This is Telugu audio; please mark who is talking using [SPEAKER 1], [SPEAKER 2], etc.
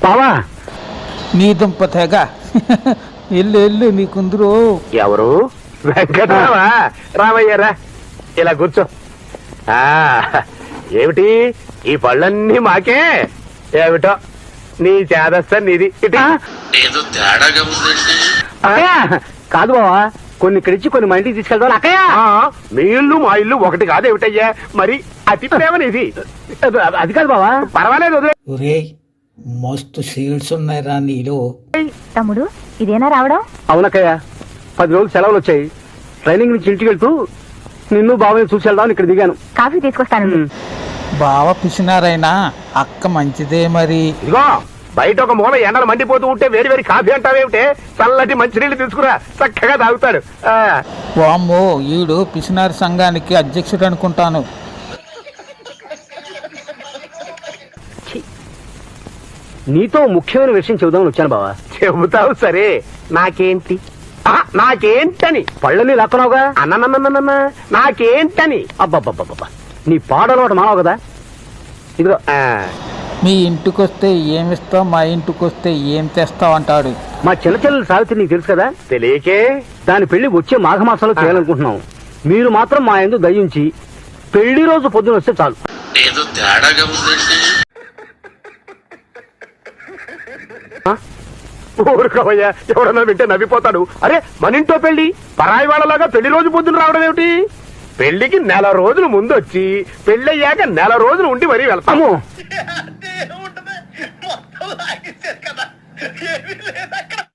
[SPEAKER 1] బావా
[SPEAKER 2] నీ దుంప తెగ ఎల్లు నీ కుందరు.
[SPEAKER 1] ఎవరు?
[SPEAKER 3] వెంకటరామా, రామయ్యారా, ఇలా కూర్చో. ఆ ఏమిటి ఈ పళ్ళన్నీ మాకే? ఏమిటో నీ చేదస్త నీది. ఇటు.
[SPEAKER 4] ఏదో తేడాగా ఉందండి.
[SPEAKER 1] అక్కయ్య కాదు బావా, కొన్ని ఇక్కడిచ్చి కొన్ని మా ఇంటికి తీసుకెళ్దాం అక్కయ్య.
[SPEAKER 3] ఆ, మీ ఇల్లు మా ఇల్లు ఒకటి కాదేమిటయ్యా? మరి అతి ప్రేమ నీది.
[SPEAKER 1] అది కాదు బావా.
[SPEAKER 3] పర్వాలేదు, వదిలే.
[SPEAKER 2] ఒరే మస్తు సీడ్స్ ఉన్నాయిరా నీలో.
[SPEAKER 5] తమ్ముడు ఇదేనా రావడం?
[SPEAKER 1] అవునక్కయ్య, 10 రోజులు సెలవులు వచ్చాయి. ట్రైనింగ్ నుంచి ఇంటికి వెళ్తూ నిన్ను బావని చూసి వెళ్దామని ఇక్కడ దిగాను.
[SPEAKER 5] కాఫీ తీసుకొస్తాను.
[SPEAKER 2] బావ పిసినారైనా అక్క మంచిదే మరి.
[SPEAKER 3] ఇదిగో బయట ఒక మూల ఎండలు మండిపోతూ ఉంటే వేడి వేడి కాఫీ అంటావేమిటే? చల్లటి మంచినీళ్ళు తీసుకురా, చక్కగా తాగుతాడు.
[SPEAKER 2] వామ్మో ఈడు పిసినారి సంఘానికి అధ్యక్షుడు అనుకుంటాను.
[SPEAKER 1] నీతో ముఖ్యమైన విషయం చెబుదామని వచ్చాను బావా.
[SPEAKER 3] చెబుతావు సరే, నాకేంటి? నాకేంటని?
[SPEAKER 1] పళ్ళని లాక్కున్నావుగా.
[SPEAKER 3] అన్ననన్ననన్న నాకేంటని?
[SPEAKER 1] అబ్బబ్బబ్బబ్బా, నీ పాడలవాటు మానవు కదా. ఇదిగో
[SPEAKER 2] మీ ఇంటికొస్తే ఏమిస్తావు, మా ఇంటికొస్తే ఏం తెస్తావు అంటాడు.
[SPEAKER 1] మా చిన్న చెల్లెలు సావిత్రి నీకు తెలుసు కదా.
[SPEAKER 3] తెలియకే
[SPEAKER 1] దాని పెళ్లి వచ్చే మాఘమాసంలో చేయాలనుకుంటున్నాం. మీరు మాత్రం మా యందు దయించి పెళ్లి రోజు పొద్దున వస్తే చాలు.
[SPEAKER 4] ఏదో తేడాగా ఉందండి.
[SPEAKER 3] ఊరుకోవయ్యా, ఎవడన్నా వింటే నవ్విపోతాడు. అరే మన ఇంట్లో పెళ్లి పరాయి వాళ్ళలాగా పెళ్లి రోజు పొద్దున రావడం ఏమిటి? పెళ్లికి 1 రోజులు ముందు వచ్చి పెళ్ళయ్యాక 1 రోజులు ఉండి మరీ వెళ్తాము.
[SPEAKER 4] మొత్తం లాగేశారు కదా, ఏమీ లేదు అక్కడ.